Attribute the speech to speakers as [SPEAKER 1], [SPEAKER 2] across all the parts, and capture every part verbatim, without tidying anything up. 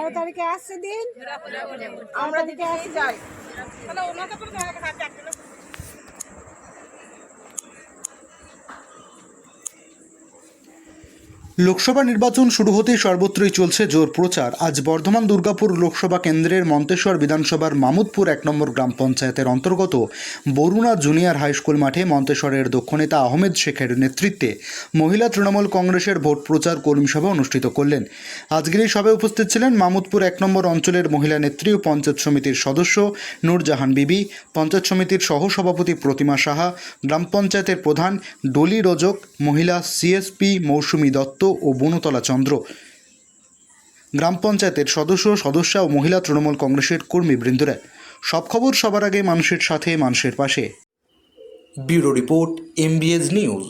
[SPEAKER 1] তেরো তারিখে আসছে দিন, আমরা দিকে আসি যাই।
[SPEAKER 2] লোকসভা নির্বাচন শুরু হতেই সর্বত্রই চলছে জোর প্রচার। আজ বর্ধমান দুর্গাপুর লোকসভা কেন্দ্রের মন্তেশ্বর বিধানসভার মামুদপুর এক নম্বর গ্রাম পঞ্চায়েতের অন্তর্গত বরুণা জুনিয়র হাই স্কুল মাঠে মন্তেশ্বরের দক্ষ নেতা আহমেদ শেখের নেতৃত্বে মহিলা তৃণমূল কংগ্রেসের ভোট প্রচার কর্মী সভা অনুষ্ঠিত করলেন। আজকের এই সভায় উপস্থিত ছিলেন মামুদপুর এক নম্বর অঞ্চলের মহিলা নেত্রী ও পঞ্চায়েত সমিতির সদস্য নূরজাহান বিবি, পঞ্চায়েত সমিতির সহসভাপতি প্রতিমা সাহা, গ্রাম পঞ্চায়েতের প্রধান ডলি রজক, মহিলা সিএসপি মৌসুমী দত্ত ও বনতলা চন্দ্র, গ্রাম পঞ্চায়েতের সদস্য সদস্যা ও মহিলা তৃণমূল কংগ্রেসের কর্মীবৃন্দরা। সব খবর সবার আগে মানুষের সাথে, মানুষের পাশে। Bureau report, MBS news.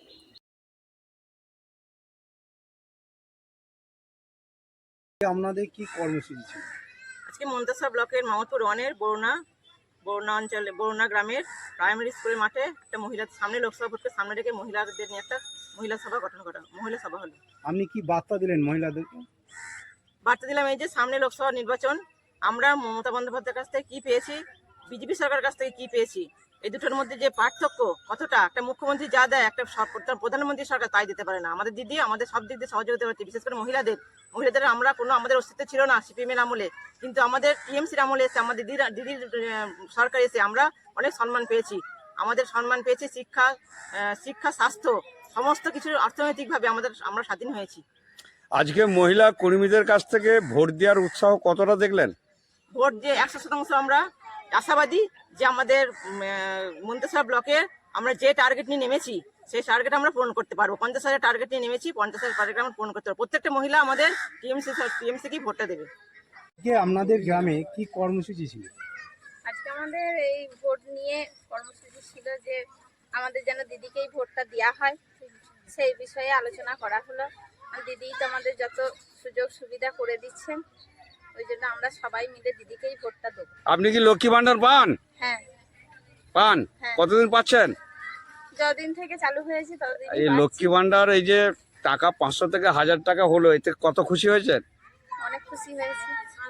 [SPEAKER 3] আপনাদের কি কর্মসূচি ছিল?
[SPEAKER 4] আজকে মন্তেশ্বর ব্লকের মামুদপুর ওয়ানের বরুণা বরুণা অঞ্চলে বরুণা গ্রামের প্রাইমারি স্কুলের মাঠে একটা মহিলা সামনে লোকসভা ভোটকে সামনে রেখে মহিলাদের নিয়ে একটা মহিলা সভা গঠন করা মহিলা সভা হলো।
[SPEAKER 3] আপনি কি বার্তা দিলেন মহিলাদেরকে?
[SPEAKER 4] বার্তা দিলাম এই যে সামনে লোকসভা নির্বাচন, আমরা মমতা বন্দ্যোপাধ্যায়ের কাছ থেকে কী পেয়েছি, বিজেপি সরকারের কাছ থেকে কী পেয়েছি, এই দুটোর মধ্যে যে পার্থক্য কতটা, একটা মুখ্যমন্ত্রী যা দেয় একটা প্রধানমন্ত্রী সরকার তাই দিতে পারে না। আমাদের দিদি আমাদের সব দিক দিয়ে সহযোগিতা করছে, বিশেষ করে মহিলাদের মহিলাদের আমরা কোনো আমাদের অস্তিত্ব ছিল না সিপিএমের আমলে, কিন্তু আমাদের টিএমসির আমলে এসে আমাদের দিদির দিদির সরকার এসে আমরা অনেক সম্মান পেয়েছি। আমাদের সম্মান পেয়েছি শিক্ষা শিক্ষা স্বাস্থ্য সমস্ত কিছু অর্থনৈতিকভাবে আমাদের আমরা স্বাধীন হয়েছি।
[SPEAKER 5] আজকে মহিলা কর্মীদের কাছ থেকে ভোট দেওয়ার উৎসাহ কতটা দেখলেন?
[SPEAKER 4] ভোট দিয়ে একশো শতাংশ আমরা আশাবাদী যে আমাদের মন্তেশ্বর ব্লকে আমরা যে টার্গেট নিয়ে নেমেছি সেই টার্গেট আমরা পূরণ করতে পারবো। পঞ্চাশ হাজার টার্গেট নিয়ে নেমেছি, পঞ্চাশ হাজার টার্গেট আমরা পূরণ করতে পারবো। প্রত্যেকটা মহিলা আমাদের টিএমসি টিএমসিকেই ভোটটা দেবে।
[SPEAKER 3] আজকে আপনাদের গ্রামে কি কর্মসূচি ছিল?
[SPEAKER 6] আজকে আমাদের এই ভোট নিয়ে কর্মসূচি ছিল যে আমাদের যেন দিদিকেই ভোটটা দেওয়া হয়, সেই বিষয়ে আলোচনা করা হলো। দিদি তো আমাদের যত সুযোগ সুবিধা করে দিচ্ছেন, ওই জন্য আমরা সবাই মিলে দিদিকেই ভোটটা দেবো।
[SPEAKER 5] আপনি কি লক্ষ্মী ভান্ডার পান?
[SPEAKER 6] হ্যাঁ
[SPEAKER 5] পান।
[SPEAKER 6] হ্যাঁ।
[SPEAKER 5] কতদিন পাচ্ছেন?
[SPEAKER 6] যতদিন থেকে চালু হয়েছে ততদিন।
[SPEAKER 5] এই লক্ষ্মী ভান্ডার এই যে টাকা পাঁচশো থেকে হাজার টাকা হলো, এতে কত খুশি হয়েছেন?
[SPEAKER 6] অনেক খুশি হয়েছে।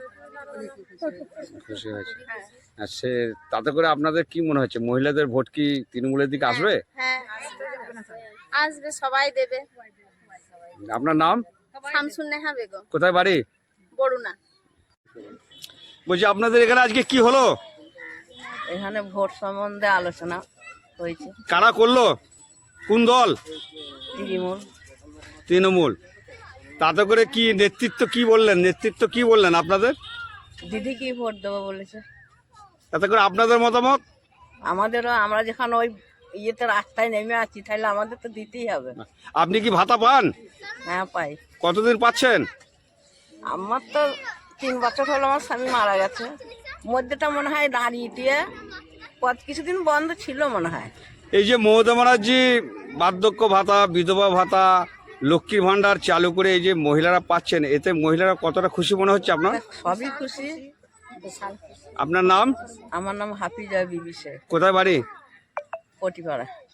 [SPEAKER 5] খুশি হয়েছে।
[SPEAKER 6] হ্যাঁ
[SPEAKER 5] আর সে তাতে করে আপনাদের কি মনে হচ্ছে, মহিলাদের ভোট কি তৃণমূলের দিকে আসবে?
[SPEAKER 6] হ্যাঁ আসবে, সবাই দেবে।
[SPEAKER 5] আপনার নাম?
[SPEAKER 6] শামসুন্নেহা বেগম।
[SPEAKER 5] কোথায় বাড়ি?
[SPEAKER 6] বরুণা।
[SPEAKER 5] বলছি আপনাদের এখানে আজকে কি হলো?
[SPEAKER 7] এখানে ভোট সম্বন্ধে আলোচনা হয়েছে।
[SPEAKER 5] কারা করলো? কোন দল?
[SPEAKER 7] তৃণমূল।
[SPEAKER 5] তৃণমূল। তাতে করে কি নেতৃত্ব কি বললেন? নেতৃত্ব কি বললেন আপনাদের?
[SPEAKER 7] দিদি কি ভোট দেবো বলেছে।
[SPEAKER 5] তাতে করে আপনাদের মতামত?
[SPEAKER 7] আমাদেরও, আমরা যেখানে ওই ইয়েতে রাস্তায় নেমে আছি, তাহলে আমাদের তো দিতেই হবে।
[SPEAKER 5] আপনি কি ভাতা পান?
[SPEAKER 7] হ্যাঁ পাই।
[SPEAKER 5] কতদিন পাচ্ছেন?
[SPEAKER 7] আমার তো তিন বছর হলো আমার স্বামী মারা গেছে, মধ্যেটা মনে হয় দাঁড়িয়ে দিয়ে কত কিছুদিন বন্ধ ছিল মনে হয়।
[SPEAKER 5] এই যে মমতা ব্যানার্জি বার্ধক্য ভাতা, বিধবা ভাতা, লক্ষ্মীর ভান্ডার চালু করে এই যে মহিলারা পাচ্ছেন, এতে মহিলারা কতটা খুশি মনে হচ্ছে আপনার?
[SPEAKER 7] সবই খুশি।
[SPEAKER 5] আপনার নাম?
[SPEAKER 7] আমার নাম হাফিজা বিবি শেখ।
[SPEAKER 5] কোথায় বাড়ি?
[SPEAKER 7] পটিপাড়া।